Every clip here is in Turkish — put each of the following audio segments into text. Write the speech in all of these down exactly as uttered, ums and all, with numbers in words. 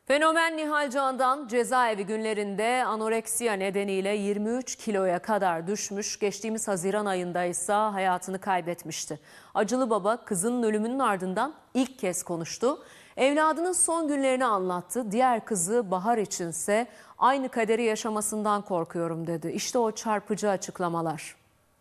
Fenomen Nihal Can'dan cezaevi günlerinde anoreksiya nedeniyle yirmi üç kiloya kadar düşmüş, geçtiğimiz Haziran ayında ise hayatını kaybetmişti. Acılı baba kızının ölümünün ardından ilk kez konuştu. Evladının son günlerini anlattı. Diğer kızı Bahar içinse aynı kaderi yaşamasından korkuyorum dedi. İşte o çarpıcı açıklamalar.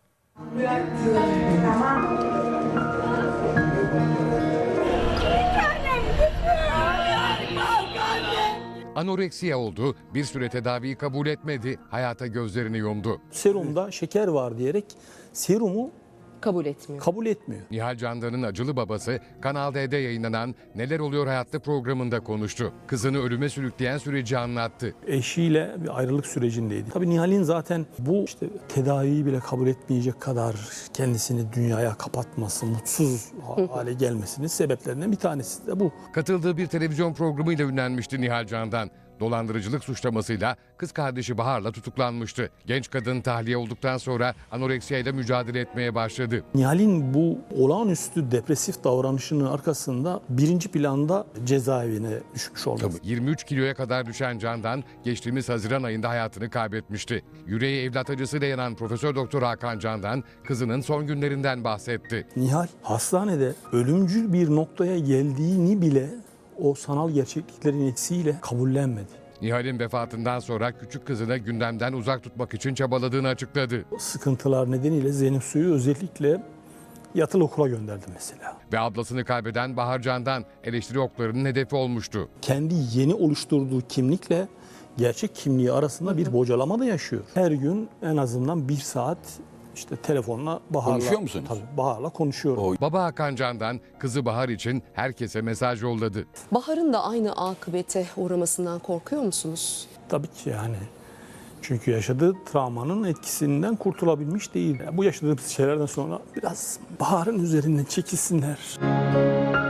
Anoreksiya oldu, bir süre tedaviyi kabul etmedi, hayata gözlerini yumdu. Serumda şeker var diyerek serumu kabul etmiyor. kabul etmiyor. Nihal Candan'ın acılı babası Kanal D'de yayınlanan Neler Oluyor Hayatta programında konuştu. Kızını ölüme sürükleyen süreci anlattı. Eşiyle bir ayrılık sürecindeydi. Tabii Nihal'in zaten bu işte tedaviyi bile kabul etmeyecek kadar kendisini dünyaya kapatması, mutsuz hale gelmesinin sebeplerinden bir tanesi de bu. Katıldığı bir televizyon programıyla ünlenmişti Nihal Candan. Dolandırıcılık suçlamasıyla kız kardeşi Bahar'la tutuklanmıştı. Genç kadın tahliye olduktan sonra anoreksiyayla mücadele etmeye başladı. Nihal'in bu olağanüstü depresif davranışının arkasında birinci planda cezaevine düşmüş oldu. yirmi üç kiloya kadar düşen Candan geçtiğimiz Haziran ayında hayatını kaybetmişti. Yüreği evlat acısıyla yanan Profesör Doktor Hakan Candan kızının son günlerinden bahsetti. Nihal hastanede ölümcül bir noktaya geldiğini bile o sanal gerçekliklerin etkisiyle kabullenmedi. Nihal'in vefatından sonra küçük kızını gündemden uzak tutmak için çabaladığını açıkladı. Sıkıntılar nedeniyle Zeynep Su'yu özellikle yatılı okula gönderdi mesela. Ve ablasını kaybeden Bahar Candan eleştiri oklarının hedefi olmuştu. Kendi yeni oluşturduğu kimlikle gerçek kimliği arasında bir bocalama da yaşıyor. Her gün en azından bir saat işte telefonla Bahar'la Konuşuyor musunuz? Tabii Bahar'la konuşuyorum. O Baba Hakan Candan kızı Bahar için herkese mesaj yolladı. Bahar'ın da aynı akıbete uğramasından korkuyor musunuz? Tabii ki yani. Çünkü yaşadığı travmanın etkisinden kurtulabilmiş değil. Bu yaşadığımız şeylerden sonra biraz Bahar'ın üzerinden çekilsinler.